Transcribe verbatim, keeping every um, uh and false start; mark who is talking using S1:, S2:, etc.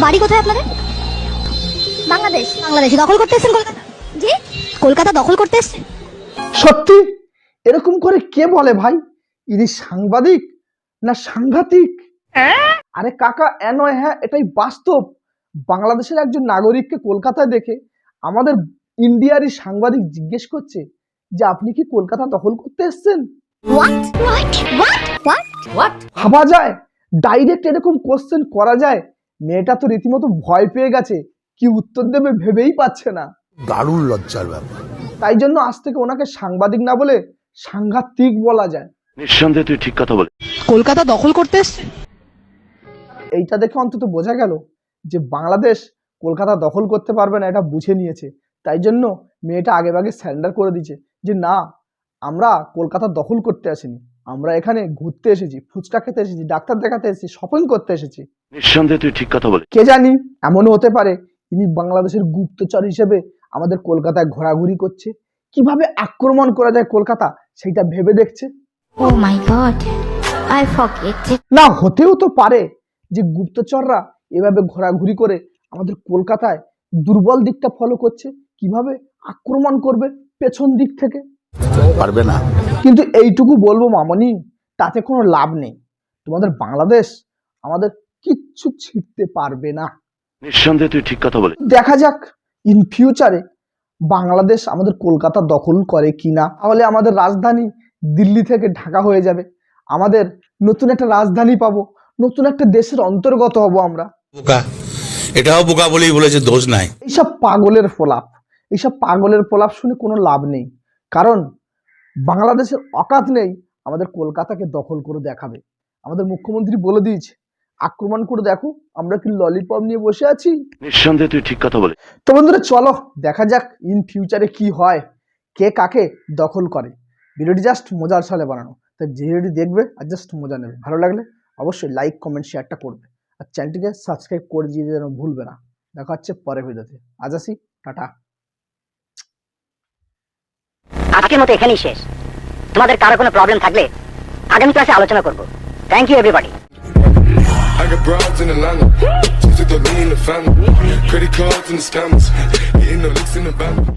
S1: বাড়ি কোথায় আপনাদের? বাংলাদেশ। বাংলাদেশে দখল করতে এসেছেন কলকাতা? জি, কলকাতা দখল করতে এসেছেন।
S2: সত্যি এরকম করে কে বলে ভাই? ইনি সাংবাদিক না সাংঘাতিক? আরে কাকা, এ নয় হ্যাঁ, এটাই বাস্তব। বাংলাদেশের একজন নাগরিককে কলকাতায় দেখে আমাদের ইন্ডিয়ারই সাংবাদিক জিজ্ঞেস করছে যে আপনি কি কলকাতা দখল করতে এসেছেন?
S1: What what what what what?
S2: ভাবা যায়? ডাইরেক্ট এরকম কোশ্চেন করা যায়? মেয়েটা তো রীতিমতো ভয় পেয়ে গেছে, কি উত্তর দেবে ভেবেই পাচ্ছে না।
S3: দারুণ লজ্জার ব্যাপার।
S2: তাই জন্য আজ থেকে ওনাকে সাংবাদিক না বলে সাংঘাতিক বলা যায়।
S4: নিঃসন্দেহে তুই ঠিক কথা বলে।
S5: কলকাতা দখল করতে এসছে।
S2: এইটা দেখে অন্তত বোঝা গেল যে বাংলাদেশ কলকাতা দখল করতে পারবে না, এটা বুঝে নিয়েছে। তাই জন্য মেয়েটা আগে ভাগে স্যারেন্ডার করে দিয়েছে যে না, আমরা কলকাতা দখল করতে আসিনি, আমরা এখানে ঘুরতে এসেছি, ফুচকা খেতে এসেছি, ডাক্তার দেখাতে এসেছি, শপিং করতে এসেছি।
S4: নিঃসন্দেহে তুই ঠিক কথা বলে।
S2: কে জানি, এমনও হতে পারে ইনি বাংলাদেশের গুপ্তচর হিসেবে আমাদের কলকাতায় ঘোরাঘুরি করছে, কিভাবে আক্রমণ করা যায় কলকাতা সেটা ভেবে দেখছে।
S1: Oh my god, I forget.
S2: না, হতেও তো পারে যে গুপ্তচররা এভাবে ঘোরাঘুরি করে আমাদের কলকাতায় দুর্বল দিকটা ফলো করছে, কিভাবে আক্রমণ করবে পেছন দিক থেকে।
S3: পারবে না।
S2: কিন্তু এইটুকু বলবো মামনি, তাতে কোনো লাভ নেই। তোমাদের বাংলাদেশ আমাদের কিচ্ছু ছিঁড়তে পারবে না।
S4: নিঃসন্দেহে তুই ঠিক কথা বলে।
S2: দেখা যাক ইন ফিউচারে বাংলাদেশ আমাদের কলকাতা দখল করে কিনা। তাহলে আমাদের রাজধানী দিল্লি থেকে ঢাকা হয়ে যাবে, আমাদের নতুন একটা রাজধানী পাবো, নতুন একটা দেশের অন্তর্গত হব আমরা।
S3: বোকা, এটাও বোকা বলেই বলেছে, দোষ নাই।
S2: এইসব পাগলের ফলাপ, এইসব পাগলের ফলাপ শুনে কোনো লাভ নেই, কারণ বাংলাদেশের অকাত নেই আমাদের কলকাতাকে দখল করে দেখাবে। আমাদের মুখ্যমন্ত্রী বলে দিয়েছে, আক্রমণ করে দেখো, আমরা কি ললিপপ নিয়ে বসে আছি।
S4: নিঃসন্দেহে তুই ঠিক কথা বলে।
S2: তো বন্ধুরা চলো দেখা যাক ইন ফিউচারে কি হয়, কে কাকে দখল করে। ভিডিওটি জাস্ট মজার ছলে বানানো, তাই যে ভিডিওটি দেখবে আর জাস্ট মজা নেবে। ভালো লাগলে অবশ্যই লাইক কমেন্ট শেয়ারটা করবে, আর চ্যানেলটিকে সাবস্ক্রাইব করে দিয়ে যেন ভুলবে না। দেখা হচ্ছে পরের ভিডিওতে। আজ আসি, টাটা।
S6: আজকের মতো এখানেই শেষ। তোমাদের কারো কোনো প্রবলেম থাকলে আগামী ক্লাসে আলোচনা করব। Thank you everybody.
S7: I got broads in Atlanta, just took the lean in the family, credit cards and the scammers, hitting the licks in the van.